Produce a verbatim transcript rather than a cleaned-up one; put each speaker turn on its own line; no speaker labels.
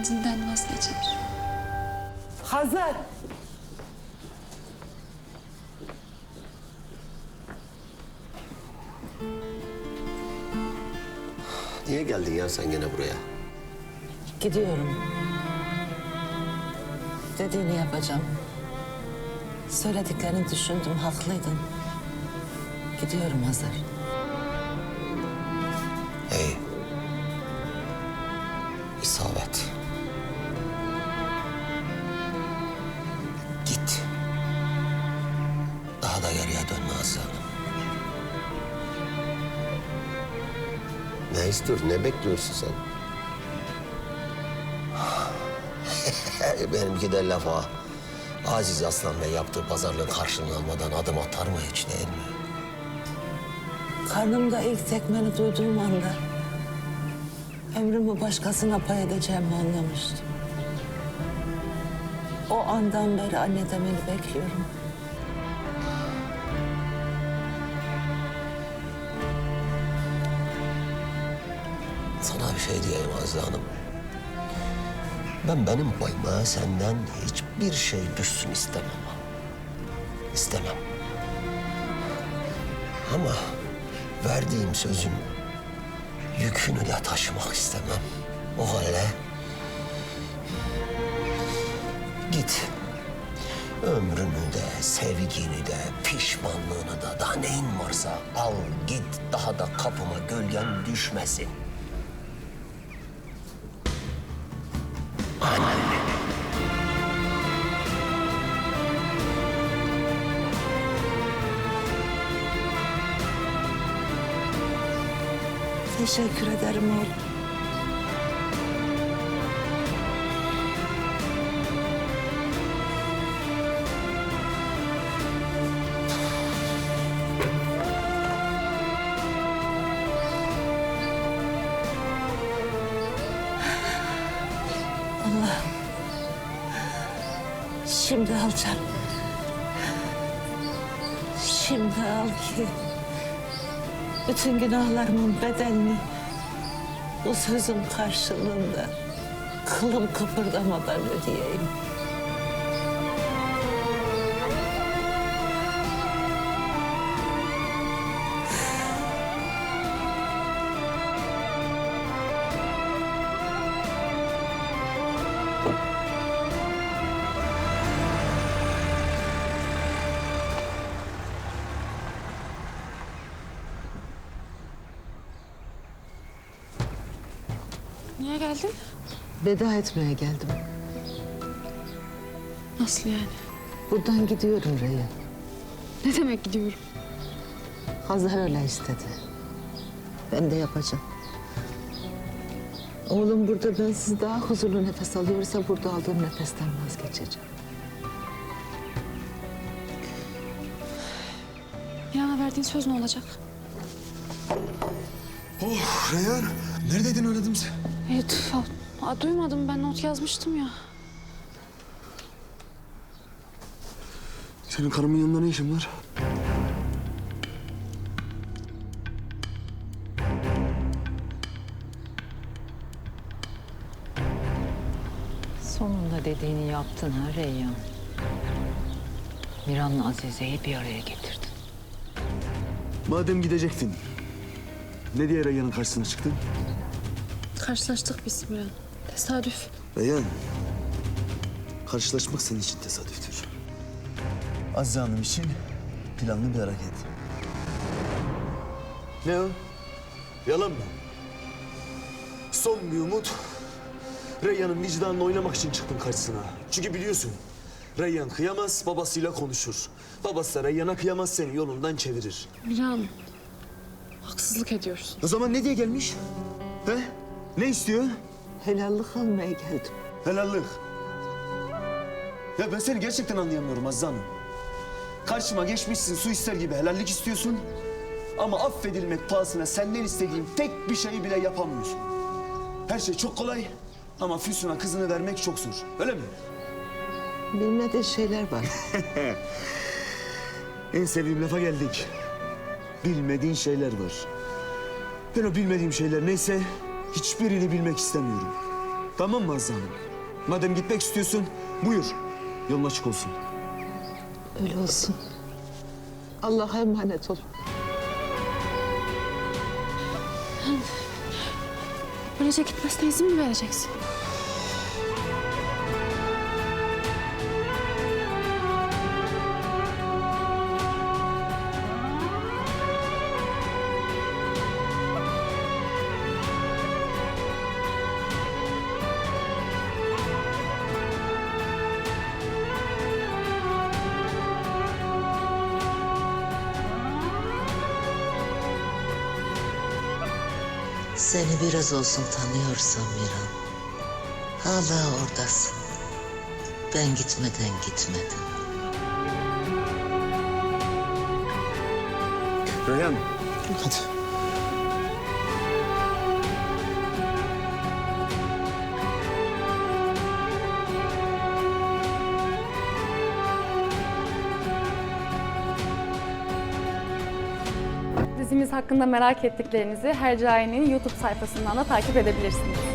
kendinden vazgeçer.
Hazar!
Niye geldin ya sen gene buraya?
Gidiyorum. Dediğini yapacağım. Söylediklerini düşündüm, haklıydın. Gidiyorum Hazar.
Hey. İsabet. Git. Daha da geriye dönme Azize Hanım. Ne istiyorsun, ne bekliyorsun sen? Benimki de laf ha. Aziz Aslan Bey yaptığı pazarlığın karşılığını almadan adım atar mı hiç, değil mi?
Karnımda ilk tekmeni duyduğum anda ömrümü başkasına pay edeceğimi anlamıştım. O andan beri anne demeni bekliyorum.
Sana bir şey diyeyim Azize Hanım. Ben benim payıma senden hiçbir şey düşsün istemem. İstemem. Ama verdiğim sözün yükünü de taşımak istemem. O halde git. Ömrünü de, sevgini de, pişmanlığını da, daha neyin varsa al git. Daha da kapıma gölgen düşmesin.
Teşekkür ederim oğlum. Allah'ım. Şimdi al canım. Şimdi al ki bütün günahlarımın bedelini bu sözün karşılığında kılım kıpırdamadan ödeyeyim.
Niye geldin?
Veda etmeye geldim.
Nasıl yani?
Buradan gidiyorum Reyhan.
Ne demek gidiyorum?
Hazar öyle istedi. Ben de yapacağım. Oğlum burada bensiz daha huzurlu nefes alıyorsa burada aldığım nefesten vazgeçeceğim.
Miran'a verdiğin söz ne olacak?
Oh Reyhan, neredeydin aradım sen?
Evet, aa, duymadım. Ben not yazmıştım ya.
Senin karımın yanında ne işin var?
Sonunda dediğini yaptın ha Reyhan. Miran'la Azize'yi bir araya getirdin.
Madem gidecektin, ne diye Reyhan'ın karşısına çıktın?
Karşılaştık biz Miran. Tesadüf.
Reyhan, karşılaşmak senin için tesadüftür. Azize Hanım için planlı bir hareket. Ne o? Yalan mı? Son bir umut. Reyhan'ın vicdanını oynamak için çıktın karşısına. Çünkü biliyorsun, Reyhan kıyamaz, babasıyla konuşur. Babası da Reyhan'a kıyamaz, seni yolundan çevirir.
Miran, haksızlık ediyorsun.
O zaman ne diye gelmiş? He? Ne istiyor?
Helallik almaya geldim.
Helallik. Ya ben seni gerçekten anlayamıyorum Azize Hanım. Karşıma geçmişsin, su ister gibi helallik istiyorsun. Ama affedilmek pahasına senden istediğim tek bir şeyi bile yapamıyorsun. Her şey çok kolay ama Füsun'a kızını vermek çok zor. Öyle mi?
Bilmediği şeyler var.
En sevdiğim lafa geldik. Bilmediğin şeyler var. Ben o bilmediğim şeyler neyse hiçbirini bilmek istemiyorum. Tamam mı Azize Hanım? Madem gitmek istiyorsun, buyur. Yolun açık olsun.
Öyle olsun. Allah'a emanet ol.
Böylece gitmesine izin mi vereceksin?
Seni biraz olsun tanıyorsam Miran, hala oradasın. Ben gitmeden gitmedin.
Reyhan. Hadi.
Dizimiz hakkında merak ettiklerinizi Hercai'nin YouTube sayfasından da takip edebilirsiniz.